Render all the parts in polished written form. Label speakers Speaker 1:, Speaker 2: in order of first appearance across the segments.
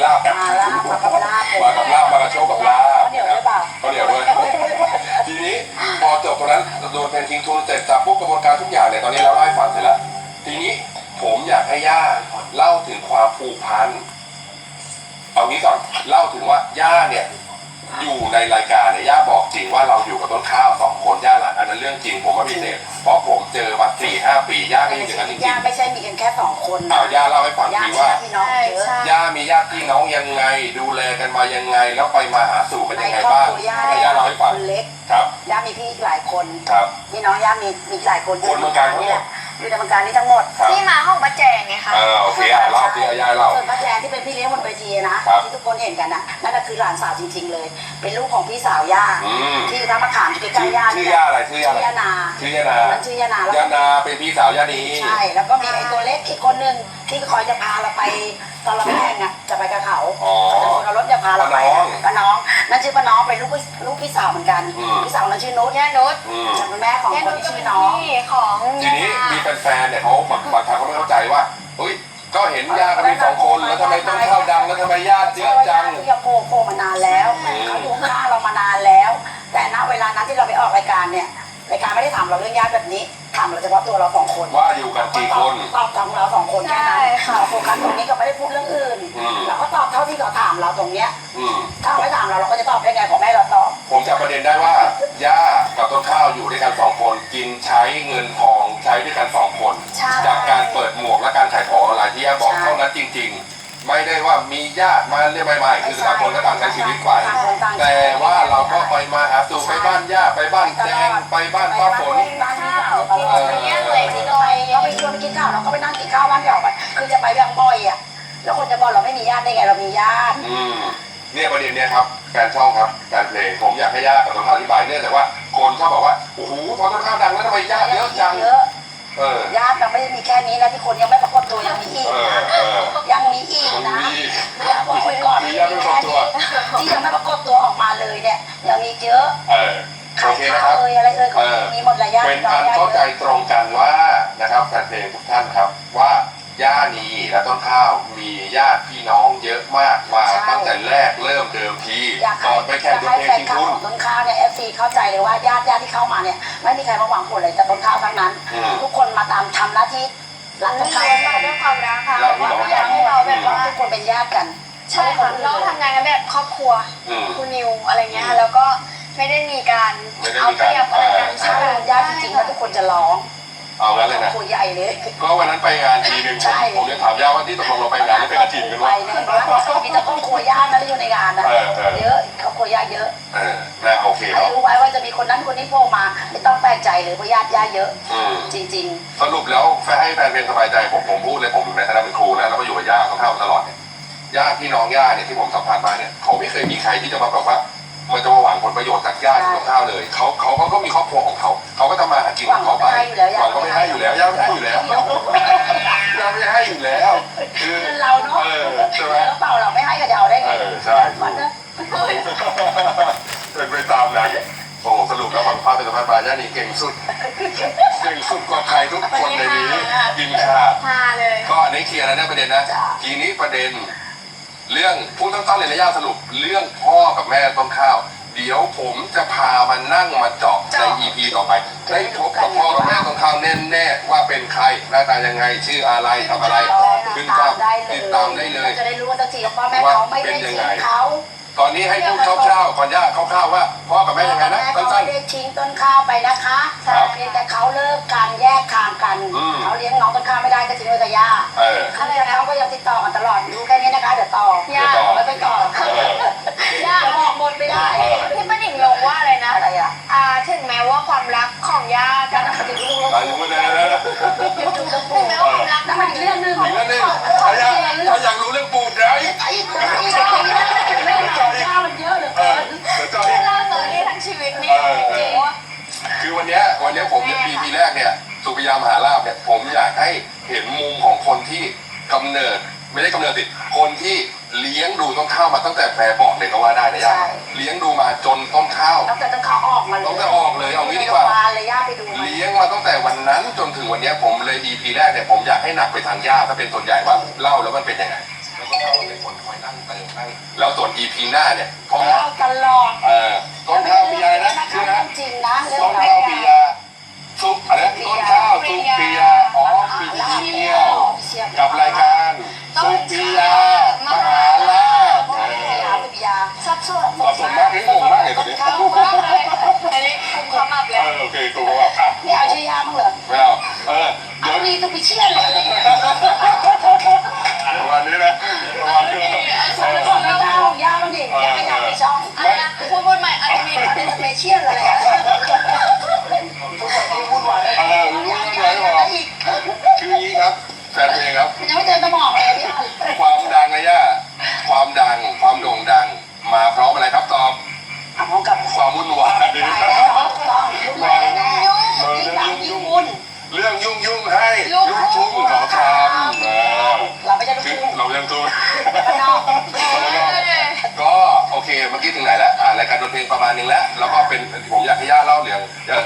Speaker 1: ลาบกัน
Speaker 2: มาลาบมากับลาบ
Speaker 1: มากับลาบมากับโชคกับลาบ
Speaker 2: เดี๋ยวด้วยเปล่า
Speaker 1: ก็เดี๋ยวด้วยทีนี้พอจบตรงนั้นโดนเพนทิ้งทุนเสร็จสับพวกกระบวนการทุกอย่างเนี่ยตอนนี้เราเล่าให้ฟังเสร็จแล้วทีนี้ผมอยากให้ย่าเล่าถึงความผูกพันเอางี้ก่อนเล่าถึงว่าย่าเนี่ยอยู่ในรายการเนี่ยย่าบอกจริงว่าเราอยู่กับต้นข้าว2 คนย่าหลานอันนั้นเรื่องจริงผมว่าพิเศษเพราะผมเจอมา4-5 ปีย่าก็ยังอย่างนั้นจริง
Speaker 2: ย่าไม่ใช่มีกันแค่2 คน
Speaker 1: ๆย่าเล่าให้ฟัง
Speaker 2: ย่า
Speaker 1: ที
Speaker 2: มี
Speaker 1: ว่า
Speaker 2: พี่น้องเยอะ
Speaker 1: ย่ามีญาติพี่น้องยังไงดูแลกันมายังไงแล้วไปมาหาสู่กัน
Speaker 2: ใน
Speaker 1: ยังไง
Speaker 2: ครอบ
Speaker 1: บ้าง
Speaker 2: ครัวย่า
Speaker 1: ให้ย่าเล่าให้ฟัง
Speaker 2: คนเล็ก
Speaker 1: ครับ
Speaker 2: ย่ามีพี่หลายคน
Speaker 1: ครับ
Speaker 2: พี่น้องย่ามีหลายคน
Speaker 1: คนเมืองการทั้งหมด
Speaker 2: อยู่ในเมืองการนี่ทั้งหมด
Speaker 1: ครับ
Speaker 3: ที่มาของป้าแจงไงคะ
Speaker 1: โอเคเล่าที่ย่าเล่า
Speaker 2: ส่วนป้าแจงที่เป็นพี่เลี้ยงบนเวทีนะครับ ที่ทุกคนเห็นกันนะนั่นก็คือหลานสาวจริง ๆ เลย เป็นลูกของพี่สาวย่า
Speaker 1: อืม
Speaker 2: ที่อยู่ท่ามะขามอยู่ใกล้ๆย่า
Speaker 1: ชื่อย่าอะไรชื่อย่าอะไร
Speaker 2: ย่านา
Speaker 1: ชื่อย่านา
Speaker 2: นั่นชื่อย่านาแล้ว
Speaker 1: ย่านาเป็นพี่สาวย่านี
Speaker 2: ใช่แล้วก็มีไอ้ตัวเล็กอีกคนนึงที่คอยจะพาเราไปตอนเราแข่งอ่ะจะไปกับเขา
Speaker 1: อ๋อ
Speaker 2: เขารถจะพาเราไป
Speaker 1: ป้าน้อง
Speaker 2: นั่นชื่อป้าน้องเป็นลูกพี่สาวเหมือนกัน
Speaker 1: อืม
Speaker 2: พี่สาวนั้นชื่อนุช
Speaker 3: ย่านุช
Speaker 1: อืม
Speaker 2: ฉันเป็นแม่ของ
Speaker 3: ย่า
Speaker 2: ค
Speaker 3: นุ
Speaker 2: น
Speaker 3: ช
Speaker 2: ที่
Speaker 3: ก็
Speaker 2: ชื่
Speaker 3: เป็
Speaker 2: อน น้อง
Speaker 3: พี่ของ
Speaker 1: ทีนี้มีแฟนๆเนี่ยเขาบางครั้งเขาไม่เข้าใจว่าเฮ้ยก็เห็นย่ากันมี2 คนแล้วทำไมต้นข้าวดังแล้วทำไมญาติเยอะจัง
Speaker 2: ที่จะโผล่มานานแล้วเขาอยู่ข้างเรามานานแล้ว แต่ณเวลานั้นที่เราไปออกรายการเนี่ยรายการไม่ได้ถามเราเรื่องญาติแบบนี้ถามเราเฉพาะตัวเรา2 คน
Speaker 1: ว่าอยู่กันกี่คน
Speaker 2: ตอบของเรา2 คนแค่นั้นเราโฟกัสตรงนี้ก็ไม่ได้พูดเรื่องอื่น
Speaker 1: อืม
Speaker 2: เราก็ตอบเท่าที่เขาถามเราตรงเนี้ย
Speaker 1: อืม
Speaker 2: ถ้าเขาไม่ถามเราก็จะตอบได้ไงขอแม่เราตอบ
Speaker 1: ผมจับประเด็นได้ว่าย่ากับต้นข้าวอยู่ด้วยกัน2 คนกินใช้เงินทองใช้ด้วยกัน2 คน
Speaker 2: ใช่
Speaker 1: จากการเปิดหมวกและการขายของออนไลน์ที่ย่าบอกเท่านั้นจริง ๆ ไม่ได้ว่ามีญาติมาเรียกไม่คือต่างคนก็ต่างใช้ชีวิตไปแต่ว่าเราก็ไปมาหาสู่ไปบ้านย่าไปบ้านแจงไปบ้านป้าฝน
Speaker 2: บ้านข้าวกินไปเงี้ยเลยที่เราไปชวนไปกินข้าวเราก็ไปนั่งกินข้าวบ้านเดี่ยวไปคือจะไปแบบบ่อยอ่ะแล้วคนจะบอกเราไม่มีญาติได้ไงเรามีญาติ
Speaker 1: เนี่ยประเด็นเนี้ยครับแฟนช่องครับแฟนเพลงผมอยากให้ย่ากับต้นข้าวอธิบายเนื่องจากว่าคนชอบบอกว่าโอ้โหพอต้นข้าวดังแล้วทำไมญาติเยอะจัง
Speaker 2: ญาติเราไม่ได้มีแค่นี้นะที่คนยังไม่ปรากฏตัวยังมีอีกนะยังมีอีกนะอย่าบอกไว้ก่อนที่ยังไม่ปรากฏตัวออกมาเลยเนี่ยยังมีเยอะ
Speaker 1: โอเคนะครับ
Speaker 2: อะไรเขามีหมดหลายญาติ
Speaker 1: เป็นอันเข้าใจตรงกันว่านะครับแฟนเพลงทุกท่านครับว่าย่านีและต้นข้าวมีญาติพี่น้องเยอะมากมาตั้งแต่แรกเริ่มเดิมทีก่อนไปแข่งดนตรีชิงทุน
Speaker 2: ต้นข้าวเนี่ยเอฟซีเข้าใจเลยว่าญาติที่เข้ามาเนี่ยไม่มีใครมาหวังผลเลยแต่ต้นข้าวทั้งนั้น ทุกคนมาตามทำหน้าที่รักต้นข้าว
Speaker 3: มาด้วยความรักค่ะอยากให้เราแบบว่า
Speaker 2: ทุกคนเป็นญาติกัน
Speaker 3: ใช่ค่ะเราทำงานกันแบบครอบครัวคุณนิวอะไรเงี้ยแล้วก็ไม่ได้มีการเอาเปรียบอะไรกัน
Speaker 2: ใช่ญาติจริงๆแล้วทุกคนจะร้อง
Speaker 1: เอางั้นเลยนะ
Speaker 2: คุยใหญ่เลย
Speaker 1: ก็วันนั้นไปงานทีนึงผมยังถามย่าว่าที่ตกลงเราไปงานนี่เป็นกระถิ่นกัน
Speaker 2: ไป
Speaker 1: วะ
Speaker 2: ในบ้านมีแต่ครอบครัวญาตินะที่อยู่ในงานนะเยอะครอบครัวญาติเยอะ
Speaker 1: นะโอเคค
Speaker 2: ให้
Speaker 1: รับ
Speaker 2: รู้ไว้ว่าจะมีคนนั้นคนนี้โผล่มาไม่ต้องแปลกใจเลยเพราะญาติเยอะจริง
Speaker 1: สรุปแล้วให้แฟนเพลงสบายใจผมพูดเลยผมอยู่ในฐานะเป็นครูนะแล้วก็อยู่กับย่าต้นข้าวตลอดเนี่ยญาติพี่น้องย่าเนี่ยที่ผมสัมภาษณ์มาเนี่ยเขาไม่เคยมีใครที่จะมาบอกว่ามันจะมาหวังผลประโยชน์จากญาติต้นข้าวเลยเขาก็มีครอบครัวของเขาก็ทำมาหากินของเขาไปหวังก็ไม่ให้อยู่แล้วย่าไม่ให้อยู่แล้วย่าไม่ให้อยู่แล้วคือ
Speaker 2: ๆเราเนาะ
Speaker 1: ใช่ไหม
Speaker 2: เปล่าเราไม่ให้ก็จะเอาได้ไง
Speaker 1: ใช่
Speaker 2: มันนะ
Speaker 1: เป็นไปตามนั้นโอ้สรุปแล้วความภาพเป็นสะพานปลาย่านี่เก่งสุดกว่าใครทุกคนในนี้กินข้าว
Speaker 3: พาเลย
Speaker 1: ก็อันนี้เคลียร์แล้วนะประเด็นนะทีนี้ประเด็นเรื่องพูดตั้งๆเลยนะย่าสรุปเรื่องพ่อกับแม่ต้นข้าวเดี๋ยวผมจะพามานั่งมาเจาะใน EP ต่อไปได้พบกับพ่อกับแม่ต้นข้าวแน่ๆว่าเป็นใครหน้าตายังไงชื่ออะไรทำอะไรขึ้นภาพติดตามได้เลย
Speaker 2: จะได้รู้ว่าสักทีว่าพ่อแม่เขาไม่ได้ทิ้งเขา
Speaker 1: ตอนนี้ให้พูดคร่าวๆก่อนย่าคร่าวๆว่าพ่อกับแม่ยังไงนะ
Speaker 2: เขา
Speaker 1: สั้น
Speaker 2: ไม่ได้ทิ้งต้นข้าวไปนะคะเพียงแต่เขาเลิกการแยกทางกันเขาเลี้ยงน้องต้นข้าวไม่ได้ก็ทิ้งไว้กับย่าเขาก็ยังติดต่อกันตลอดรู้แค่นี้นะคะเดี๋ยวต่อย่าไม่ไปต่อย่าบอกหมดไม่ได้
Speaker 3: ที่ป้าหนิงลงว่าอะไรนะ
Speaker 2: อะไรอ่ะ
Speaker 3: ถึงแม้ว่าความรักของย่ากั
Speaker 2: นั่
Speaker 3: บ
Speaker 2: นมันจะรู้
Speaker 1: ๆอายุไม่ได้แล้ว
Speaker 3: ถึงแม้ว่าความรัก
Speaker 2: นั่นมันอีกเรื่องนึง
Speaker 1: อีกแล้วนึงถ้าอยากรู้เรื่องปูดไร
Speaker 2: ไอ้เรื่องย่ามันเยอะเหลือเกิน
Speaker 1: เดี๋ยวจอย
Speaker 3: เล่าตอนนี้ทั้งชีวิตนี่จริงว่า
Speaker 1: คือวันนี้ผมปีแรกเนี่ยสุริยามหาลาภเนี่ยผมอยากให้เห็นมุมของคนที่กำเนิดไม่ได้กำเนิดสิคนที่เลี้ยงดูต้นข้าวมาตั้งแต่แฝงบอกเลยก็ว่าได้นะย่าเลี้ยงดูมาจนต้นข้าว
Speaker 2: ตั้งแต่ต้นข้าวออกมาเลย
Speaker 1: ตั้งแต่ออกเลยเอางี้ดีกว่า
Speaker 2: เลยย่าไปดู
Speaker 1: เลี้ยงมาตั้งแต่วันนั้นจนถึงวันนี้ผมเลย EP แรกเนี่ยผมอยากให้หนักไปทางย่าถ้าเป็นส่วนใหญ่ว่าเล่าแล้วมันเป็นยังไงแล้วก็เล่าเป็นคนคอยเล่านั่งเติมนั่งแล้วส่วน EP หน้าเนี่ยก็
Speaker 2: เล่าตลอด
Speaker 1: ต้นข้าวปียานะชื่อนะ
Speaker 2: จริงนะเรื่อ
Speaker 1: ต้
Speaker 2: ง
Speaker 1: นข้าวปียาซุปอะไรนะต้นข้าวซุปปียาอ๋อปีเที่ยวกับรายการซุปปียามหาลาภ
Speaker 2: ปิยา
Speaker 3: สับสน
Speaker 1: สับสนมากนี่งงมากเลยตอนนี้
Speaker 3: มากเลยอันนี้คุมขมับเลย
Speaker 1: โอเคกูก็แบบอ่ะ
Speaker 2: ไม่เอาชื่อยามั้งเหรอ
Speaker 1: ไม่เอาเดี๋
Speaker 2: เอา
Speaker 1: ยว
Speaker 2: ดีต้องไปเชื่อเลย
Speaker 1: ประมาณนี้นะประมาณนี้
Speaker 2: แล้วก็ไม่เอายาบ้างดิยาไม่อยากไปช่อง
Speaker 3: อะไรนะพูดใหม่อันนี้
Speaker 2: เป็นสเปเชียลอะไรอ่ะ
Speaker 1: รู้ไว้บอกคืออย่างนี้ครับแฟนเพลงครับ
Speaker 2: ยังไม่เจอสมองเลยพี่
Speaker 1: ความดังนะย่าความดังความโด่งดังมาพร้อมอะไรครับตอบ
Speaker 2: อ่ะพร้อมกับ
Speaker 1: ความวุ่นวาย
Speaker 2: ตายแล้วต้องยุ่งแน่แน่ยิ่งดังยิ่งวุ่น
Speaker 1: เรื่องยุ่งให้ลูกทุ่งขอทำ
Speaker 2: เราไม่ใช่ลูก
Speaker 1: คือ
Speaker 2: ทุ่ง
Speaker 1: เรายังทุ่ง
Speaker 2: ข้างนอก
Speaker 1: ก็โอเคเมื่อกี้ถึงไหนแล้วรายการดนตรีประมาณนึงแล้วแล้วก็เป็นผมอยากให้ย่าเล่าเรื่องเรื่อง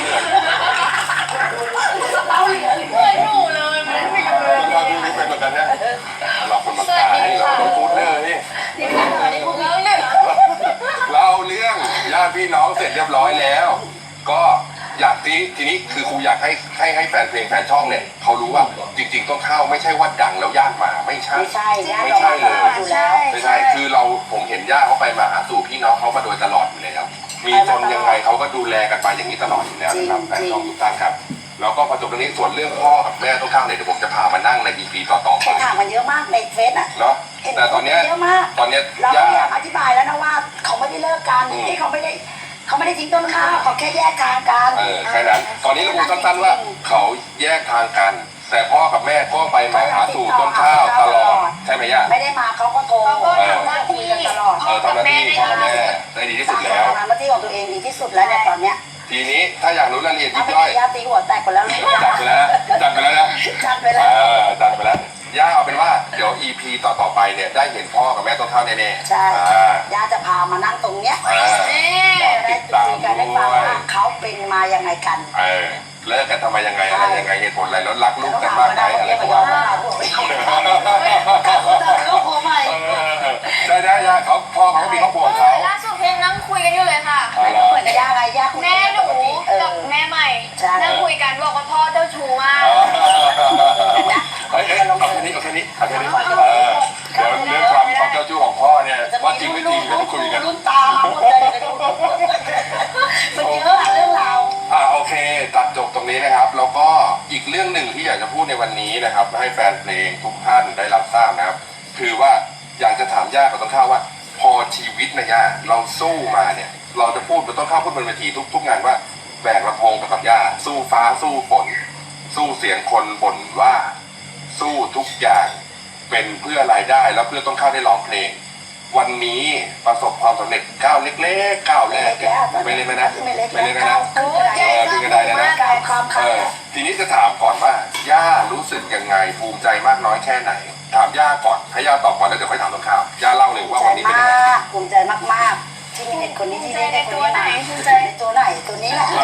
Speaker 2: เราเหลือ
Speaker 3: เหมือนหนูเลยมันไม่รู้เลย
Speaker 1: เราดูนี่เป็นแบบนั้นเนี่ยเราคนมาตายนี่เราคนพูดเรื่องนี่
Speaker 2: ที่พูดที่พูด
Speaker 3: แล้วเนี่ย
Speaker 1: เล่าเรื่องญาติพี่น้องเสร็จเรียบร้อยแล้ว ก็อยากทีนี้คือครูอยากให้แฟนเพลงแฟนช่องเนี่ยเขารู้ว่าจริงๆต้นข้าวไม่ใช่ว่าดังแล้วย่านมาไม่ใช่
Speaker 2: ไม่ใช่ญาติเราอยู่แล้ว
Speaker 1: ไม่ใช่คือผมเห็นย่าเขาไปมาหาสู่พี่น้องเขามาโดยตลอดอยู่แล้วมีจนยังไงเขาก็ดูแลกันไปอย่างนี้ตลอดอยู่แล้วนะครับแฟนช่องทุกท่านครับแล้วก็พอจบตรงนี้ส่วนเรื่องพ่อกับแม่ต้นข้าวเนี่ยเดี๋ยวผมจะพามานั่งใน EP ต่อๆไป
Speaker 2: เห็นถามมันเยอะมากในเฟซอ่ะ
Speaker 1: เนาะแต่ตอนเนี้ย
Speaker 2: เยอะมาก
Speaker 1: ตอนเนี้ย
Speaker 2: เรา
Speaker 1: ย่า
Speaker 2: อยากอธิบายแล้วนะว่าเขาไม่ได้เลิกกันที่เขาไม่ได้ทิ้งต้นข้าวเขาแค่แยกทางกัน
Speaker 1: แค่นั้นตอนนี้เราพูดสั้นๆว่าเขาแยกทางกัน แต่พ่อกับแม่ก็ไปมาหาสู่ต้นข้าวตลอดใช่ไหมย่า
Speaker 2: ไม่ได้มาเขาก็โทร
Speaker 3: เขาก็ทำหน้า
Speaker 2: คุย
Speaker 3: ที่
Speaker 2: กันตลอด
Speaker 1: ทำหน้าที่พ่อกับแม่ได้ดีที่สุดแล้ว
Speaker 2: ทำหน้าที่ของตัวเองดีที่สุดแล้วเนี่ยตอนเนี้ย
Speaker 1: ทีนี้ถ้าอยากรู้รายละเอียดยิ
Speaker 2: ถ้า
Speaker 1: บ
Speaker 2: ไม่
Speaker 1: ย่อย
Speaker 2: ได้ยาตีหัวแตกไปแล้วลูก
Speaker 1: จัดไปแล้วจัดไปแล้วนะ
Speaker 2: จัดไปแล้ว
Speaker 1: จัดไปแล้วย่าเอาเป็นว่าเดี๋ยว EP ต่อไปเนี่ยได้เห็นพ่อกับแม่ต้นข้าวแน่ๆ
Speaker 2: ใช่ย่าจะพามานั่งตรงเนี้ย
Speaker 3: นี่
Speaker 2: ได้คุยกันได้ฟังว่าเขาเป็นมายังไงกัน
Speaker 1: เลิกกันทำไมยังไงอะไรยังไงเหตุผลอะไรแล้วรักลูกกันมากไหมอะไร
Speaker 2: ก็
Speaker 1: ประ
Speaker 2: ยอ
Speaker 1: มาณ
Speaker 2: ม
Speaker 1: นั้น
Speaker 2: เราลูกโคใหม่
Speaker 1: ได้ย่าเขาพ่อเขาก็มีครอบครัวของเขา
Speaker 3: ล่าสุดเพลงนั่งคุยกันอยู่เลยค่ะ
Speaker 2: เหมือนย่าไงย่าคุย
Speaker 3: แม่หนูกับแม่ใหม่นั่งคุยกันบอกว่าพ่อเจ้าชู้มาก
Speaker 1: เฮ้ยเอาแค่นี้เดี๋ยวเรื่องความเจ้าชู้ของพ่อเนี่ยว่าจริงไม่จริงเดี๋ยวคุยกัน
Speaker 2: รุ่นตาหมดเลยมันเยอะเรื่องราว
Speaker 1: โอเคตัดจบตรงนี้นะครับแล้วก็อีกเรื่องหนึ่งที่อยากจะพูดในวันนี้นะครับให้แฟนเพลงทุกท่านได้รับทราบนะครับคือว่าอยากจะถามย่ากับต้นข้าวว่า พอชีวิตนะย่าเราสู้มาเนี่ยเราจะพูดกับต้นข้าวพูดบนเวทีทุกงานว่าแบกลำโพงกับย่าสู้ฟ้าสู้ฝนสู้เสียงคนบ่นว่าสู้ทุกอย่างเป็นเพื่อรายได้แล้วเพื่อต้นข้าวได้ร้องเพลงวันนี้ประสบความสำเร็จก้าวเล็กๆก้าวแรกไม่เล็กนะไม่เล็กนะ
Speaker 2: ขึ้นกระไดนะความคัน
Speaker 1: ทีนี้จะถามก่อนว่าย่ารู้สึกยังไงภูมิใจมากน้อยแค่ไหนถามย่าก่อนให้ย่าตอบก่อนแล้วเดี๋ยวค่อยถามต้นข้าวย่าเล่าเลยว่าวันนี้เป็นยังไง
Speaker 2: ภูมิใจมากๆที่มีเด็กคนนี้ที่ได้ตัวไหนภูมิใจในตัวไหนตัวนี้แหละ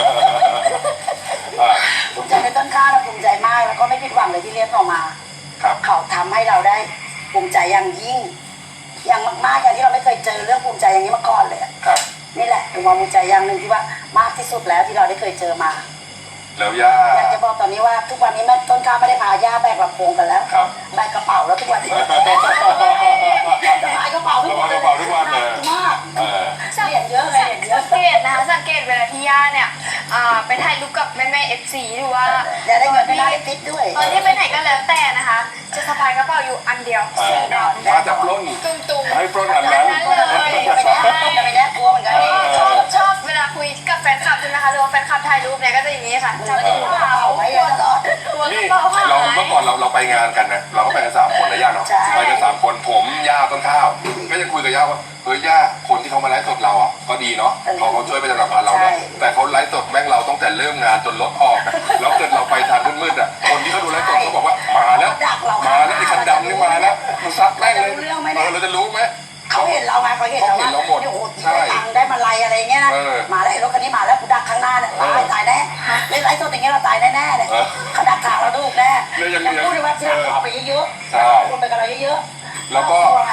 Speaker 2: ภูมิใจในต้นข้าวนะภูมิใจมากแล้วก็ไม่ผิดหวังเลยที่เลี้ยงออกมาเขาทำให้เราได้ภูมิใจอย่างยิ่งอย่างมากๆอย่างที่เราไม่เคยเจอเรื่องภูมิใจอย่างนี้มาก่อนเลยนี่แหละเป็นความภูมิใจอย่างหนึ่งที่ว่ามากที่สุดแล้วที่เราได้เคยเจอมา
Speaker 1: แล้วย่า
Speaker 2: อยากจะบอกตอนนี้ว่าทุกวันนี้แม่ต้นข้าวไม่ได้พาย่าแบกลำโพงกันแล้วแบกกระเป๋าแล้วทุกวันนี้จะพายกระเป๋าทุกวันเลยมากเรียนเยอะเลยเรียนเยอะ
Speaker 3: สังเกตนะคะสังเกตเวลาที่ย่าเนี่ยไปถ่ายรูปกับแม่ๆ FC หรือว่า
Speaker 2: อย่าได้เงินไม่ได้ฟิตด้วย
Speaker 3: ตอนที่ไปไหนก็แล้วแต่นะคะ จะสะพายกระเป๋าอยู่อันเดียวสีดำ
Speaker 1: มาจับปล้น
Speaker 3: ตุ้มๆ
Speaker 1: ให้ปล้นอันนั้น
Speaker 2: จะไปแน่กลัวเหมือนกัน
Speaker 3: ชอบเวลาคุยกับแฟนคลับใช่ไหมคะหรือว่าแฟนคลับถ่ายรูปเนี่ยก็จะอย่างนี้ค่ะจับกระเป๋า
Speaker 2: ไว้ตลอด
Speaker 3: ตัวก
Speaker 1: นี่
Speaker 3: ระเป๋าหาย
Speaker 1: เราเมื่อก่อนเราไปงานกันนะเราก็ไปกัน3 คนนะย่าเนาะไปกัน3 คนผมย่าต้นข้าวก็จะคุยกับย่าว่าเฮ้ยย่าคนที่เขามาไลฟ์สดเราอ่ะก็ดีเนาะเขาช่วยไปสนับสนุนเราเนาะแต่เขาไลฟ์สดแม่งเราตั้งแต่เริ่มงานจนรถออกแล้วเกิดเราไปทางมืดๆอ่ะคนที่เขาดูไลฟ์สดเขาบอกว่ามาแล้วไอ้คันดำนี่มาแล้วมันซัดแม่งเลยเราจะรู้ไหม
Speaker 2: เขาเห็นเราไงเขาเห็นเราว่าโอ้โหได้ตังได้มาลัยอะไรเงี้ยนะมาแล้วรถคันนี้มาแล้วกูดักข้างหน้าเนี่ยตายแน่เล่นไลฟ์สดอย่างเงี้ยเราตายแน่ๆเลยเขาดักทางเราดูแน่พูดเลยว่าที่เราเอาไปเยอะๆพูดไปกับเราเยอะๆ
Speaker 1: แล้วก็
Speaker 2: ไง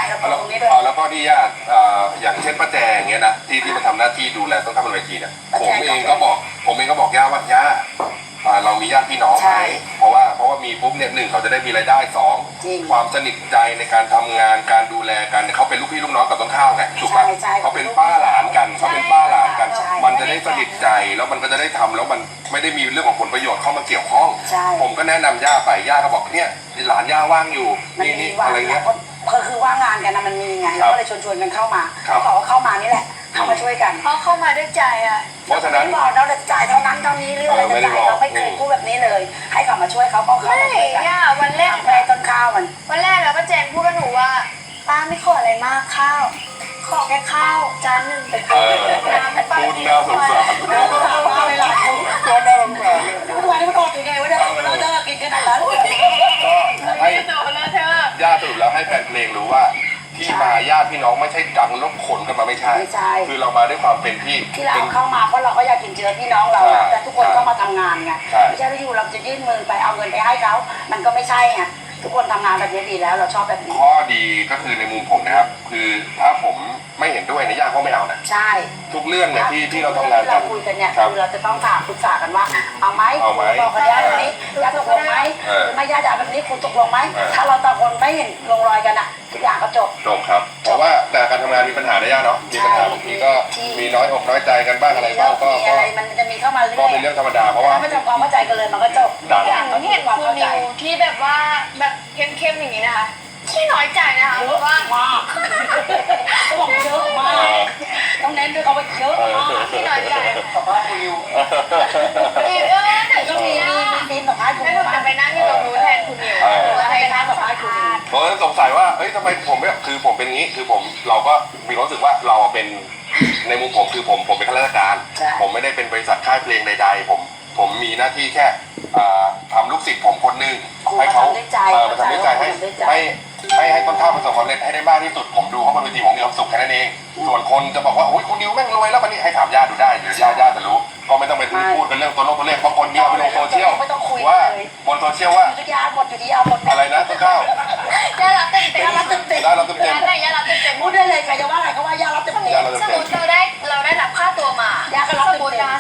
Speaker 2: เราปลูกตรงนี้ด้วย
Speaker 1: แล้วก็ที่ญาติอย่างเช่นป้าแจงอย่างเงี้ยนะที่มาทำหน้าที่ดูแลต้นข้าวบนเวทีเนี่ยผมเองก็บอกย่าว่าย่าเรามีญาติพี่น้องไหมเพราะว่ามีปุ๊บเนี่ยหนึ่งเขาจะได้มีรายได้สองความสนิทใจในการทำงานการดูแลกันเขาเป็นลูกพี่ลูกน้องกับต้นข้าวไงถูกปะเขาเป็นป้าหลานกันมันจะได้สนิทใจแล้วมันก็จะได้ทำแล้วมันไม่ได้มีเรื่องของผลประโยชน์เข้ามาเกี่ยวข้องผมก็แนะนำย่าไปย่าก็บอกเนี่ยหลานย่าว่างอยู่นี่อะไรเงี้ย
Speaker 2: คือว่างงานกันนะมันมีไงก็เลยชวนกันเข้ามาเขาบอกว่าเข้ามานี่แหละเข้ามาช่วยกัน
Speaker 3: เพราะเข้ามาด้วยใจอ่ะ
Speaker 1: เพราะฉะนั้น
Speaker 2: บอกเราจะจ่ายเท่านั้นเท่านี้เรื่องอะไรจะจ่ายเราไม่เคยพูดแบบนี้เลยให้กลับมาช่วยเขาก็เข้ามาช่วยกัน
Speaker 3: วันแรก
Speaker 2: แม่ต้นข้าว
Speaker 3: วันแรกแล้วก็แจงพูดกับหนูว่าป้าไม่ขออะไรมากข้าวขอแค่ข้าวจานหนึ่งไป
Speaker 1: พูดน่าสงสาร
Speaker 2: เวลา
Speaker 1: ก็น่าสงสาร
Speaker 2: ทุกวันนี้มันอดยังไงวะเราเลิกกินกันแล้ว
Speaker 1: ก็ให้ญาติสรุปแล้วให้แฟนเพลงรู้ว่าที่มาญาติพี่น้องไม่ใช่ดังลบขนกันมาไม่ใช่คือเรามาด้วยความเป็น
Speaker 2: ที่เราเข้ามาเพราะเราก็อยากกินเชื้อพี่น้องเราแต่ทุกคนก็มาทำงานไงไม่ใช่ว่าอยู่เราจะยื่นมือไปเอาเงินไปให้เขามันก็ไม่ใช่ไงทุกคนทำงานแบบนี้ดีแล้วเราชอบแบบนี้
Speaker 1: ข้อดีก็คือในมุมผมนะครับคือถ้าผมไม่เห็นด้วยในญาติก็ไม่เอานะ
Speaker 2: ใช่
Speaker 1: ทุกเรื่องเนี่ยที่เราทำงานกั
Speaker 2: นเราคุยกันเนี่ยคือเราจะต้องถามปรึกษากันว่าเอาไหมบอกกับญาติแบบนี้ญาติตกลงไหมไม่ญาติแบบนี้คุณตกลงไหมถ้าเราต่างคนไม่เห็นลงรอยกันอ่ะทุกอย่างก็จบ
Speaker 1: ครับเพราะว่าแต่การทำงานมีปัญหาได้ยากเนาะมีปัญหาบางทีก็มีน้อยอกน้อยใจกันบ้างอะไรบ้างก็
Speaker 2: มันจะมีเข้ามาเรื่อย
Speaker 1: ก็เป็นเรื่องธรรมดาเพราะว่า
Speaker 2: ไม่ทำความเข้าใจกันเลยมันก็จบ
Speaker 3: อย่างที่เห็นคุณนิวที่แบบว่าแบบเข้มๆอย่างนี้นะคะที่น้อยใจนะคะเพราะว่า
Speaker 2: เขาบอกเยอะมากต้องเน้นด้วยเขาว่าเยอะมาก
Speaker 3: ที่น้อยใจ
Speaker 2: บอกว่าคุณนิว
Speaker 3: แต่ก็มี
Speaker 2: ปีนต่อท้ายคุณนิว
Speaker 3: จะไปนั่งอยู่ตรงนู้นแทนคุณนิว
Speaker 2: แล้วให้นั่งต่อท้ายคุณนิว
Speaker 1: เพราะสงสัยว่าเฮ้ยทำไมผมไม่คือผมเป็นงี้คือเราก็มีความรู้สึกว่าเราเป็นในมุมผมคือผมเป็นข้าราชการผมไม่ได้เป็นบริษัทค่ายเพลงใดๆผมมีหน้าที่แค่ทำลูกศิษย์ผมคนนึงให้เขามาทำด้วยใจให้ต้นข้าวประสบความสำเร็จให้ได้มากที่สุดผมดูเขาบนเวทีผมมีความสุขแค่นั้นเองส่วนคนจะบอกว่าโอ้ยคุณนิวแม่งรวยแล้ววันนี้ให้ถามญาติดูได้เดี๋ยวญาติจะรู้ก็ไม่ต้องไปพูดกันเรื่องตัวเลขบางคนเนี่ยไปลงโซเชียลว่าบนโซเชียลว่า
Speaker 2: ญาติหมดอยู่ที่หมด
Speaker 1: อะไรนะต้นข้าว
Speaker 3: ญาติรับเต็ม
Speaker 2: ญาติรับเต็ม
Speaker 3: ญาติรับเต็ม
Speaker 2: พูดได้เลยใครจะว่าอะไรเขาว่าญาติรับเต็ม
Speaker 3: สมมติเราได้รับค่าตัวมา
Speaker 2: ญาติก็รับเต็ม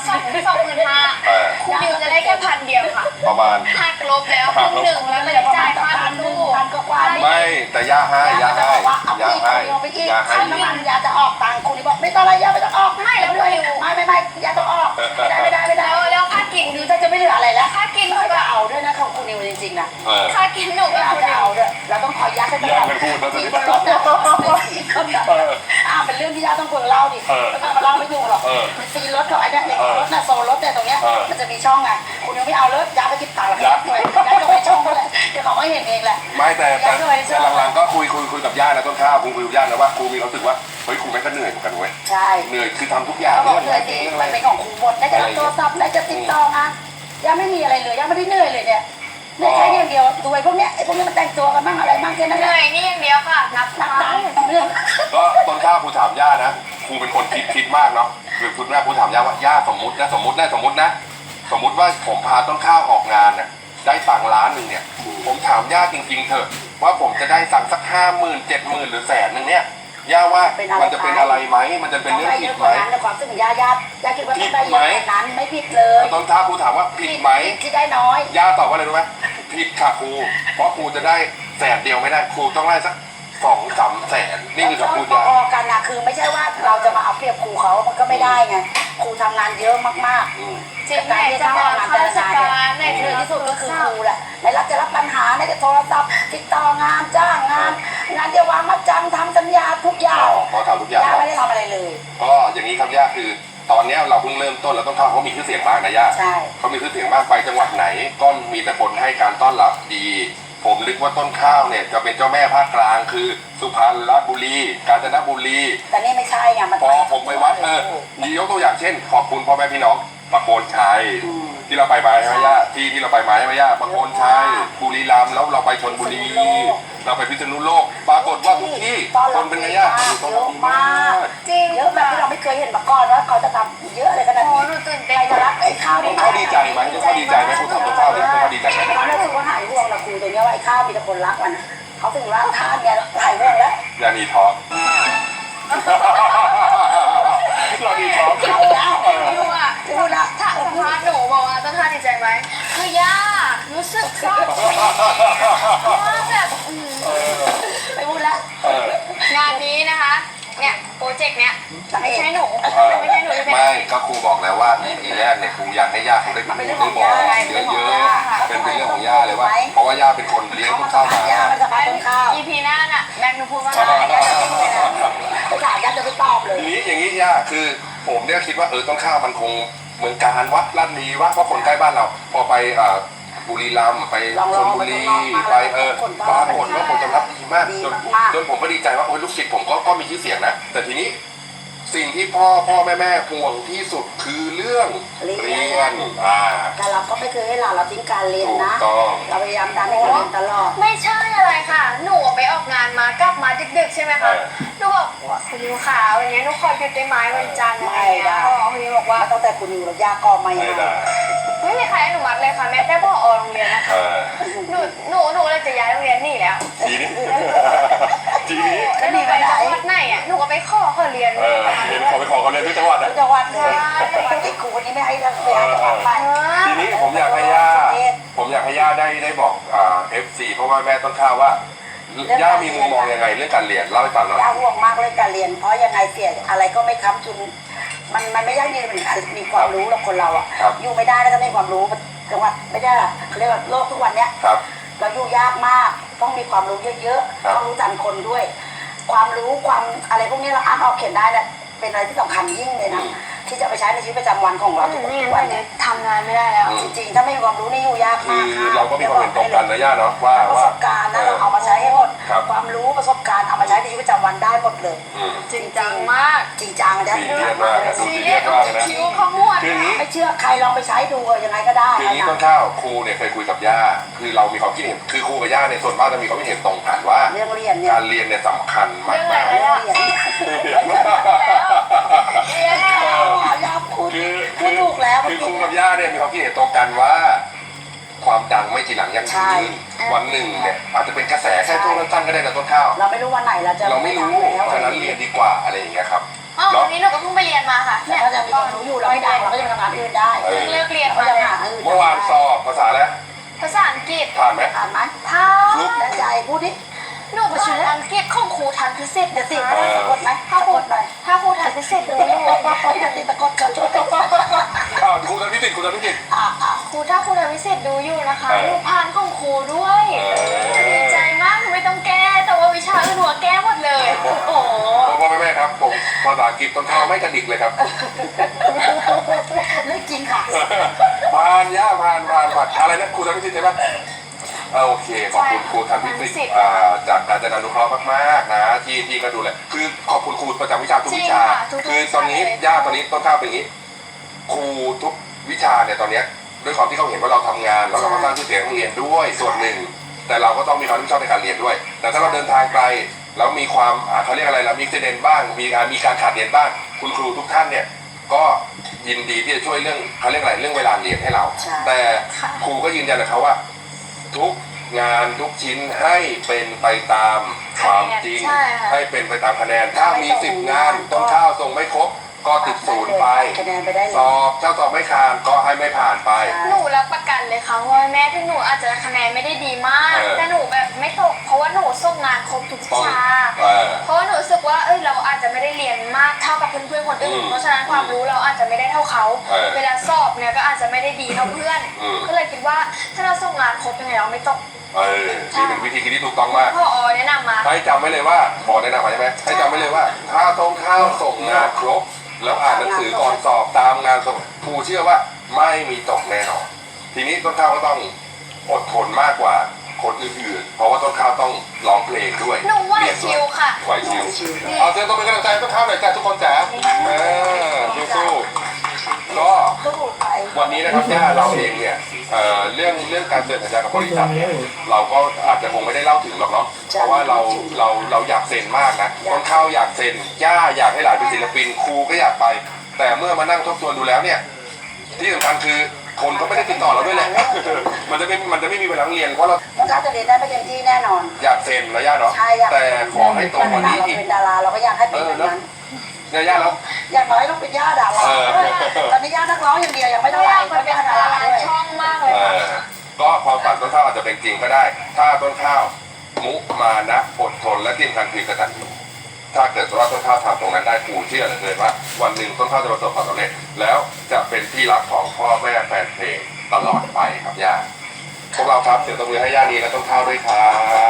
Speaker 3: คุณนิวจะได้แค่1,000 เดียวค่ะ
Speaker 1: ประมาณ
Speaker 3: หักลบแล้วครึ่งหนึ่งแล้วไม่ได้จ่ายค่าลูก
Speaker 1: ไม่แต่ย่าให้
Speaker 2: ยาจะออกตังค์คุณนี่บอกไม่ต้องอะไรยาไม่ต้องออก
Speaker 3: ไม่แล้ว
Speaker 2: ไม่ยาต้องออกไม่ได้
Speaker 3: แล้วค่ากิน
Speaker 2: คือถ้าจะไม่เหลืออะไรแล้ว
Speaker 3: ค่ากิน
Speaker 2: ก็เอาด้วยนะของคุณนิวจริงๆนะ
Speaker 3: ค่ากินหนูก็
Speaker 2: คุณนิวเราต้องคอยยัดให้ตลอดที่บนรถเป็นเรื่องที่ยาต้องคุยเล่าดิไม่ต้องมาเล่าไม่ถูกหรอกซีรถเขาไอ้เนี่ยรถน่ะโซนรถเนี่ยตรงเนี้ยมันจะมีช่องไงคุณนิวไม่เอาเลยยาไปคิดตังค์ยัดก็ไปช่องก็เลยเดี๋ยวเขาก็เห็นเองแหละ
Speaker 1: ไม่แต่หลังๆก็คุยกับย่านะต้นข้าวคุยกับย่านะว่าครูมีความรู้สึกว่าเฮ้ยครูแม่ก็เหนื่อยเหมือนกันเว้ย
Speaker 2: ใช่
Speaker 1: เหนื่อยคือทำทุกอย่าง
Speaker 2: เรื่องอะไรมันเป็นของครูหมดได้จะรับโทรศัพท์ได้จะติดต่องานยังไม่มีอะไรเลยยังไม่ได้เหนื่อยเลยเนี่ยเหนื่อยแค่อย่างเดียวดูไอ้พวกเนี้ยมันแต่งตัวกันบ้างอะไรบ้างแค่นั้น
Speaker 3: เหนื่อยนี่อย่างเดียวค่ะนับ
Speaker 2: เรื่อง
Speaker 1: ก็ต้นข้าวครูถามย่านะครูเป็นคนคิดมากเนาะคือคุณแม่ครูถามย่าว่าย่าสมมติว่าผมพาต้นข้าวออกงานน่ะได้ตังค์1,000,000เนี่ยผมถามย่าจริงๆเถอะว่าผมจะได้ตังค์สัก50,000 70,000หรือ100,000เนี่ยย่าว่ามันจะเป็นอะไรไหมมันจะเป็นเรื่องผิดไหม
Speaker 2: ในความรู้สึกย่าคิดว่าได้เยอะนั้นไม่ผิดเลย
Speaker 1: ต้นข้าวครูถามว่าผิดไหม
Speaker 2: ที่ได้น้อย
Speaker 1: ย่าตอบว่าอะไรรู้ไหมผิดค่ะครูเพราะครูจะได้100,000เดียวไม่ได้ครูต้องได้สัก2-3 แสนนี่คือคำพูด
Speaker 2: พอกันนะคือไม่ใช่ว่าเราจะมาเอาเปรียบครูเขามันก็ไม่ได้ไงครูทำงานเยอะมากๆ
Speaker 3: จริงแม่จะทำงานแต่ละงาน
Speaker 2: เนี่ยคือที่สุดก็คือครูแหละในรับจะรับปัญหาในจะโทรศัพท์ติดต่องานจ้างงานจะวางมัดจำทำสัญญาทุกอย่าง
Speaker 1: เขาทำทุกอย่าง
Speaker 2: ไม่ได้ทำอะไรเลย
Speaker 1: ก็อย่างนี้ครับย่าคือตอนนี้เราเพิ่งเริ่มต้นแล้วต้องเข้าเขามีชื่อเสียงมากนะย่าเขามีชื่อเสียงมากไปจังหวัดไหนก็มีแต่คนให้การต้อนรับดีผมนึกว่าต้นข้าวเนี่ยจะเป็นเจ้าแม่ภาคกลางคือสุพรรณบุรีกาญจนบุรี
Speaker 2: แต่นี่ไม่ใช่ไงมัน
Speaker 1: พอผมไปวัดยกตัวอย่างเช่นขอบคุณพ่อแม่พี่น้องประโคนชัยที่เราไปมาใช่ไหมย่าที่เราไปมาใช่ไหมย่าประโคนชัยบุรีรัมย์แล้วเราไปชลบุรีเราไปพิษณุโลกปรากฏว่าทุกที่คนเป็นไงย่า
Speaker 2: เยอะมากจริงเยอะแบบที่เราไม่เคยเห็นมาก่อนว่าเขาจะทำเยอะเลยขนาดนี้ใครจะรักไอ้ข้าวนี่
Speaker 1: เขาดีใจไหมเขาดีใจไหมคุณทำกับข้าวนี่เขาดีใจไหม
Speaker 2: เขาได้รู้ว่าหายห่วงเราคุยตรงนี้ว่าไอ้ข้าวมีแต่คนรักมันเขาถึงร่างท่านเนี่ยหลายเรื่องแล้ว
Speaker 1: ยานีท้องยานีท้อง
Speaker 2: เอาแล้ว
Speaker 3: ไม่รู้อ่ะ
Speaker 2: พูดละ
Speaker 3: ถ้าสัมภาษณ์หนูบอกว่าต้นท่าดีใจไหมคือย่ารู้สึกซาบซึ้งว่าแบบ
Speaker 2: ไม่พูดละ
Speaker 3: งานนี้นะคะ เนี่ยโปรเจกต์เนี้ยไม่ใช่หนูไม่ใช่หนูที่เป็น
Speaker 1: ไม่ก็ครูบอกแล้วว่า EP แรกเนี่ยครูอยากให้ย่าเขาได้พูดได้บอกเยอะๆเป็นเรื่องของย่าเลยว่า เพราะว่าย่าเป็นคนเลี้ยงต้นข้าวมา
Speaker 2: ย่ามันจะพาต้นข้าว
Speaker 3: EP หน้าน่ะแม็กหนูพูดว่าอะไรย่าจะพูดเลยนะ
Speaker 2: ไปถามย่าจะไปตอบเลย
Speaker 1: ทีนี้อย่างนี้ย่าคือผมเนี่ยคิดว่าต้นข้าวมันคงเมืองการวัดลาดลีว่าเพราะคนใกล้บ้านเรา พอไปบุรีรัมย์ไปชลบุรีไปปรากฏว่าผลตอบรับดีมากจนผมก็ดีใจว่าลูกศิษย์ผมก็มีชื่อเสียงนะแต่ทีนี้สิ่งที่พ่อแม่ห่วงที่สุดคือเรื่องเรียน
Speaker 2: แต่เราก็ไม่เคยให้เราทิ้งการเรียน
Speaker 1: ถูก
Speaker 2: นะ
Speaker 1: ต้อง
Speaker 2: เราพยายามดันให้เราเรียนตลอด
Speaker 3: ไม่ใช่อะไรค่ะ หนูไปออกงานมากลับมาดึกๆใช่ไหมคะหนูบอกว่าคุณยูขาวันนี้หนูขอหยุดได้ไหมวันจันทร์อะไรอย่างเงี้ยคุณยูบอกว่า
Speaker 2: ตั้งแต่คุณอยู่กับย่าก็ไม่
Speaker 1: ไม่
Speaker 2: ให้
Speaker 1: ได้
Speaker 3: ไม่มีใครอนุมัติเลยค่ะแม้แต่พ่อโรงเรียนนะคะหนูเลยจะย้ายโรงเรียนหนี่แล้ว
Speaker 1: ทีนี้
Speaker 3: แล้วหนูไปจังหวัดไหนอ่ะหนูก็ไปขอเรียน
Speaker 1: เห็นขอไปขอเขาเรียนที่จังหวัดนะ
Speaker 2: จังหวัดเลยไอ้ครูคนนี้ไม่ให้เราไปไป
Speaker 1: ทีนี้ผมอยากให้ย่าได้บอกFC เพราะว่าแม่ต้นข้าวว่าย่ามีมุมมองยังไงเรื่องการเรียนเล่าให้ฟังหน่อย
Speaker 2: ย่าห่วงมากเรื่องการเรียน เพราะยังไงเสียอะไรก็ไม่ค้ำจุนมันไม่ยั่งยืนมีความรู้หรอกคนเราอ่ะอยู่ไม่ได้แล้วก็ไม่ความรู้จังหวัดไม่ได้เขาเรียกว่าโลกทุกวันเนี้ยเราอยู่ยากมากต้องมีความรู้เยอะๆต้องรู้จักคนด้วย ความรู้ความอะไรพวกนี้เราอ่านออกเขียนได้เนี่ยเป็นอะไรที่สำคัญยิ่งเลยนะที่จะไปใช้ในชีวิตประจำวันของเราทุกวันนี้
Speaker 3: ทำงานไม่ได้แล้ว
Speaker 2: จริงๆถ้าไม่มีความรู้นี่อยู่ยาก
Speaker 1: คื
Speaker 2: มาก
Speaker 1: อเราก็มีความเห็นตรงกันนะย่าเนาะว่า
Speaker 2: ประสบการณ์นะเราเอามาใช้ให้หมดความรู้ประสบการณ์เอามาใช้ในชีวิตประจำวันได้หมดเลย
Speaker 3: จริงจังมาก
Speaker 2: จริงจังนะ
Speaker 1: ซีเรียสมากนะ
Speaker 3: ซีเรียสคิ้วขมวด
Speaker 1: คืออย่างนี้
Speaker 2: ไม่เชื่อใครลองไปใช้ดูยังไงก็ได้
Speaker 1: คืออย่างนี้ต้นข้าวครูเนี่ยเคยคุยกับย่าคือเรามีความคิดเห็นคือครูกับย่าในส่วนมากจะมีความคิดเห็นตรงกันว่า
Speaker 2: เรื่องเรียนเนี่ย
Speaker 1: การเรียนเนี่ยสำคัญมาก
Speaker 3: เรื่องอะไร
Speaker 2: เรื่องเรียนยาพูดถูกแล้ว
Speaker 1: คือครูกับย่าเนี่ยมีความคิดเห็นตรงกันว่า ความดังไม่ทีหลังยังยืนวันหนึ่งเนี่ยอาจจะเป็นกระแสแค่ช่วงสั้นๆก็ได้นะต้นข้าว
Speaker 2: เราไม่รู้วันไหนเราจะ
Speaker 1: เราไม่รู้ฉะนั้นเรียนดีกว่าอะไรอย่างเงี้ยครับ
Speaker 3: อ๋อวันนี้หนูก็เพิ่งไปเรียนมาค่ะ
Speaker 2: แต่ถ้าจะมีความรู้อยู่เราไม่ดังเราก็จะทำงานอื่นได้
Speaker 3: เลิกเรียน
Speaker 2: ก็
Speaker 3: มา
Speaker 2: จะ
Speaker 3: เลย
Speaker 2: หาอื่น
Speaker 1: เมื่อวานสอบภาษาแล้ว
Speaker 3: ภาษาอังกฤษ
Speaker 1: ผ่านไหม
Speaker 2: อ่านไหม
Speaker 3: พา
Speaker 2: แน่ใจพูดดิ
Speaker 3: หนูภาษาอังกฤษของครูทันพิเศษ
Speaker 2: เดี๋ยวติด
Speaker 3: นะ
Speaker 2: สะกดไหม
Speaker 3: ถ้า
Speaker 2: สะ
Speaker 3: ครู
Speaker 2: กดหน่อย
Speaker 3: ถ้าครูทันพิเศษดูอยู่
Speaker 2: เดี๋ยวติดสะกดก่อนช่วยติด
Speaker 1: ครูทำพิจิตรครูทำพิจิตร
Speaker 3: ครูถ้าครูทันพิเศษดูอยู่นะคะหนูผ่านของครูด้วยดีใจมากหนูไม่ต้องแก้แต่ว่าวิชาอื่นหนูแก้หมดเลยโอ้โห
Speaker 1: พ่อแม่ครับผมภาษาอังกฤษต้นข้าวไม่กระดิกเลยครับ
Speaker 2: เรื่องจริงค่ะ
Speaker 1: ผ่านย่าผ่านอะไรนะครูทำพิจิตรใช่ไหมโอเคขอบคุณครูทำพิจิตรจากการจัดการอนุเคราะห์มากๆนะที่ก็ดูแลคือขอบคุณครูประจำวิชาทุกวิชาคือตอนนี้ย่าตอนนี้ต้นข้าวเป็นอย่างนี้ครูทุกวิชาเนี่ยตอนนี้ด้วยความที่เขาเห็นว่าเราทำงานแล้วเราก็สร้างชื่อเสียงโรงเรียนด้วยส่วนหนึ่งแต่เราก็ต้องมีความรับผิดชอบในการเรียนด้วย แต่ถ้าเราเดินทางไกลแล้วมีความเขาเรียกอะไรล่ะมีเซเดนบ้างมีการขาดเรียนบ้างคุณครูทุกท่านเนี่ยก็ยินดีที่จะช่วยเรื่องเขาเรียกอะไรเรื่องเวลาเรียนให้เราแต่ครูก็ยืนยันกับเขาว่าทุกงานทุกชิ้นให้เป็นไปตามความจริงให้เป็นไปตามคะแนนถ้ามี10 งานต้นข้าวส่งไม่ครบก็ติด0ไป
Speaker 2: คะแนนไปได้เลย
Speaker 1: สอบถ้าสอบไม่ผ่านก็ให้ไม่ผ่านไป
Speaker 3: หนูรับประกันเลยค่ะว่าแม้ที่หนูอาจจะคะแนนไม่ได้ดีมากแต่หนูแบบไม่ตกเพราะว่าหนูส่งงานครบทุกวิชาเพราะว่าหนูรู้สึกว่าเราอาจจะไม่ได้เรียนมากเท่ากับเพื่อนๆคนอื่นเพราะฉะนั้นความรู้เราอาจจะไม่ได้เท่าเขาเวลาสอบเนี่ยก็อาจจะไม่ได้ดีเท่าเพื่อนก็เลยคิดว่าถ้าเราส่งงานครบยังไงเราไม่ตก
Speaker 1: นี่เป็นวิธีคิดที่ถูกต้องมาก
Speaker 3: พ่อแนะนำมา
Speaker 1: ให้จำไว้เลยว่าพอแนะนำมาใช่ไหมให้จำไว้เลยว่าถ้าต้นข้าวส่งงานครบแล้วอ่านหนังสือก่อนสอบตามงานส่งครูเชื่อว่าไม่มีตกแน่นอนทีนี้ต้นข้าวก็ต้องอดทนมากกว่าคนอื่นๆเพราะว่าต้นข้าวต้องร้องเพลงด้วย
Speaker 3: หนูไหวชิวค่ะ
Speaker 1: ไหวชิวเอาเชิญตัวเป็นกำลังใจต้นข้าวหน่อยจ้ะทุกคนจ๋าสู้ๆก็วันนี้นะครับย่าเราเองเนี่ยเรื่องการเซ็นสัญญากับบริษัทเนี่ยเราก็อาจจะคงไม่ได้เล่าถึงหรอกเนาะเพราะว่าเราอยากเซ็นมากนะต้นข้าวอยากเซ็นย่าอยากให้หลานเป็นศิลปินครูก็อยากไปแต่เมื่อมานั่งทบทวนดูแล้วเนี่ยที่สำคัญคือคนก็ไม่ได้ติดต่อเราด้วยแหละ มันจะไม่มีเวลาเรียนเพราะเรา
Speaker 2: น้องก้าวจะเรียนได้ไม่เต็มที่แน่นอน
Speaker 1: อยากเซ็นระยะเนาะ
Speaker 2: ใช่อยาก
Speaker 1: แต่ขอให้โตกว่านี้
Speaker 2: เรา
Speaker 1: อีก
Speaker 2: เป็นดาราเราก็อยากให้เป็นแบบนั้น
Speaker 1: ระยะแล้ว
Speaker 2: อย่างน้อยต้องเป็นย่าดาราตอนนี้ย่านักร้องอย่างเดียวยังไม่
Speaker 3: ไม่
Speaker 2: เท่าไห
Speaker 3: อ
Speaker 2: ร่
Speaker 3: ยาก
Speaker 2: ก็
Speaker 3: เป็
Speaker 2: เป็น
Speaker 3: น
Speaker 2: ดา
Speaker 3: ดา
Speaker 2: รา
Speaker 3: รา
Speaker 2: ด้วย
Speaker 3: ช่องมากเลยค่ะ
Speaker 1: ก็ความฝันต้นข้าวอาจจะเป็นจริงก็ได้ ถ้าต้นข้าวมุมานะอดทนและที่สำคัญคือกตัญญูถ้าเกิดว่าต้นข้าวทำตรงนั้นได้ปู่เชื่อเหลือเกินว่าวันหนึ่งต้นข้าวจะประสบความสำเร็จแล้วจะเป็นที่รักของพ่อแม่แฟนเพลงตลอดไปครับย่าพวกเราครับเสียงตบมือให้ย่านีและต้นข้าวด้วยครับ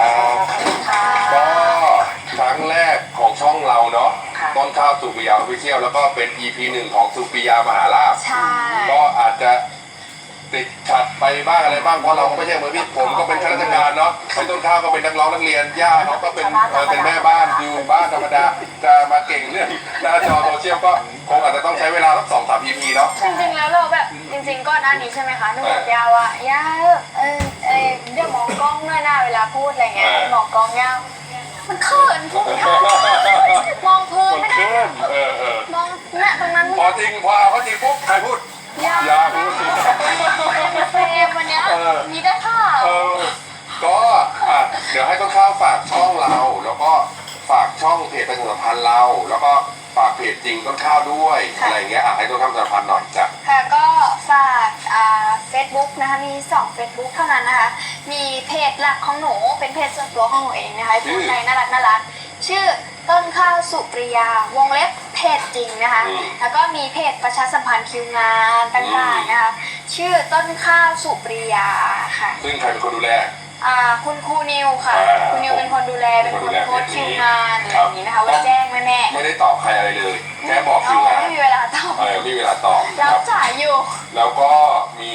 Speaker 2: ค่ะ
Speaker 1: ก็ครั้งแรกของช่องเราเนาะต้นข้าวสุปิยาออฟฟิเชียลแล้วก็เป็น EP 1ของสุปิยามหาลาภ
Speaker 3: ใช่
Speaker 1: ก็อาจจะติดขัดไปบ้างอะไรบ้างเพราะเราก็ไม่ใช่มือพี่ผมก็เป็นข้าราชการเนาะพี่ต้นข้าวก็เป็นนักร้องนักเรียนย่าเขาก็เป็นแม่บ้านอยู่บ้านธรรมดาจะมาเก่งเรื่องหน้าจอโซเชียลก็คงอาจจะต้องใช้เวลาสัก2-3 EP เนาะ
Speaker 3: จริงๆแล้วเราแบบจริงๆก่อนหน้านี้ใช่ไหมคะหนูบอกยาว่าย่าเดี๋ยวมองกล้องหน่อยหน้าเวลาพูดอะไรเงี้ยมองกล้องยาวมันเขินพูดยากมองพื้น
Speaker 1: มัน
Speaker 3: ไม่ได้
Speaker 1: ขึ้น
Speaker 3: มองเนี่ยตรงนั้น
Speaker 1: พอจริงพอเอาเขาจริงปุ๊บใครพูด
Speaker 3: ยา
Speaker 1: ย่าพูด
Speaker 3: เฟรมวันเนี้ยมีได้ข่าว
Speaker 1: ก็เดี๋ยวให้ต้นข้าวฝากช่องเรา แล้วก็ฝากช่องเพจประชาสัมพันธ์เรา แล้วก็ฝากเพจจริงต้นข้าวด้วยอะไรเงี้ยให้ต้นข้าวประชาสัมพันธ์หน่อยจ้ะ
Speaker 3: ค่ะก็ฝากFacebook นะคะมี2 Facebook เท่านั้นนะคะมีเพจหลักของหนูเป็นเพจส่วนตัวของหนูเองนะคะพูดในน่ารักชื่อต้นข้าวสุปริยาวงเล็บเพจจริงนะคะแล้วก็มีเพจประชาสัมพันธ์คิวงานต่างๆนะคะชื่อต้นข้าวสุปริยาค่ะ
Speaker 1: ซึ่งใครเป็นคนดูแล
Speaker 3: คุณครูนิวค่ะ คุณนิวเป็นคนดูแลเป็นคนโพสต์คิวงานอะไรอย่างนี้นะคะไว้แจ้งแม่
Speaker 1: ไม่ได้ตอบใครอะไรเลยแค่บอก
Speaker 3: ๆ
Speaker 1: คิวงาน
Speaker 3: ไม่มีเวลาตอบ
Speaker 1: ไม่มีเวลาตอบค
Speaker 3: รั
Speaker 1: รั
Speaker 3: บบ จ่ายอยู่
Speaker 1: แล้วก็มี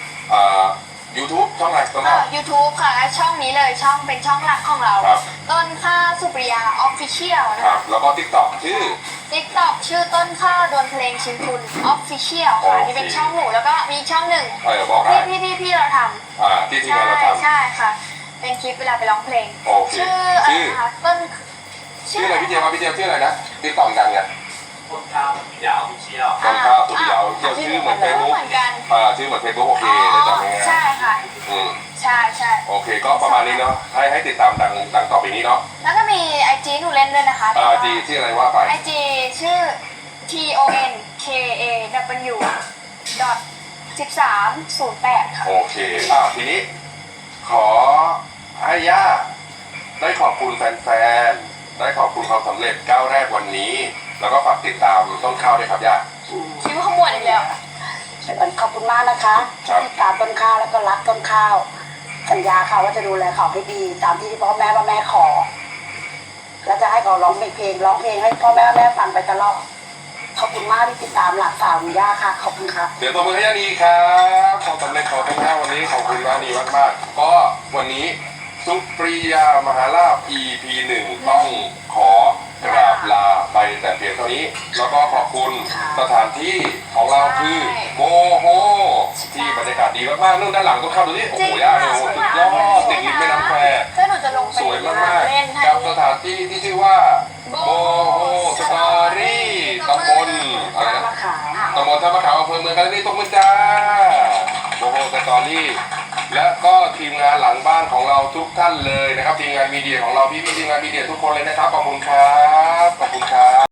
Speaker 1: YouTube ช่องอะไรต้นข้าว
Speaker 3: YouTube ค่ะช่องนี้เลยช่องเป็นช่องหลักของเรา
Speaker 1: ครับ
Speaker 3: ต้นข้าวสุปริยาออฟฟิเชียลนะ
Speaker 1: ครั
Speaker 3: คะ
Speaker 1: บแล้วก็ TikTok ชื่อ
Speaker 3: TikTok ชื่อต้นข้าวโดนเพลงชิมทุนออฟฟิเชียลค่ะ
Speaker 1: โอเค
Speaker 3: นี่เป็นช่องหนูแล้วก็มีช่องหนึ่ง
Speaker 1: บอกได้
Speaker 3: ที่เราทำ
Speaker 1: ที่ทีมงานเราทำ
Speaker 3: ใช่ค่ะ เป็นคลิปเวลาไปร้องเพลง
Speaker 1: โอเค
Speaker 3: ชื่ออะไรนะคะต้น
Speaker 1: ชื่ออะไรพี่เจมส์พี่เจมส์ชื่ออะไรนะTikTok ดังเนี่ย
Speaker 4: ต้นข้าวอยาวเชี่ยว
Speaker 1: ต้นข้าวสุดยาวเที่ยวชื่อเหมือนเฟซบุ๊ก
Speaker 3: เหมือนกัน
Speaker 1: ชื่อเหมือนเฟซบุ๊กโอเคได้จำง่าย
Speaker 3: ใช่ค่ะ
Speaker 1: อืม
Speaker 3: ใช่ใช่
Speaker 1: โอเคก็ประมาณนี้เนาะให้ติดตามดังต่อไปนี้เนาะ
Speaker 3: แล้วก็มีไอจีหนูเล่นด้วยนะคะ
Speaker 1: จีชื่ออะไรว่าไป
Speaker 3: ไอจีชื่อ TONKAW .1308 ค่ะ
Speaker 1: โอเคทีนี้ขอให้ย่าได้ขอบคุณแฟนๆได้ขอบคุณความสำเร็จก้าวแรกวันนี้ แล้วก็ฝากติดตามต้นข้าวด้วยครับย่า
Speaker 3: คิ้วขมวดอีกแล้ว
Speaker 2: ขอบคุณมากนะคะ
Speaker 1: ครับ
Speaker 2: ที่ติดตามต้นข้าวแล้วก็รักต้นข้าว สัญญาค่ะว่าจะดูแลเขาให้ดีตามที่พ่อแม่ขอ แล้วจะให้เขาร้องเพลงให้พ่อแม่ฟังไปตลอดขอบคุณมากที่ติดตามหลักสาวคุณย่าค่ะขอบคุณครับ
Speaker 1: เดี๋ยวตัวมือให้ย่านีครับความสำเร็จของต้นข้าววันนี้ขอบคุณย่านีมากๆก็วันนี้สุปริยามหาลาภ EP 1ต้องขอกราบลาไปแต่เพียงเท่านี้ แล้วก็ขอบคุณสถานที่ของเราคือโมโหที่บรรยากาศดีมากๆนู่นด้านหลังต้นข้าวดูนี่โอ้โหย่าดูสุดยอดติดริมแม่น้ำแคว
Speaker 3: ถ้าหนูจะลงไป
Speaker 1: สวยมาก
Speaker 3: เล่นให้
Speaker 1: ๆกับสถานที่ที่ชื่อว่าโบโฮสตอรี่ตำบลอะไรนะ
Speaker 2: มะขาม
Speaker 1: ตำบลท่ามะขามอำเภอเมืองกาฬสินธุ์ตบมือจ้าโบโฮสตอรี่และก็ทีมงานหลังบ้านของเราทุกท่านเลยนะครับทีมงานมีเดียของเราพี่ๆทีมงานมีเดียทุกคนเลยนะครับขอบคุณครับขอบคุณครับ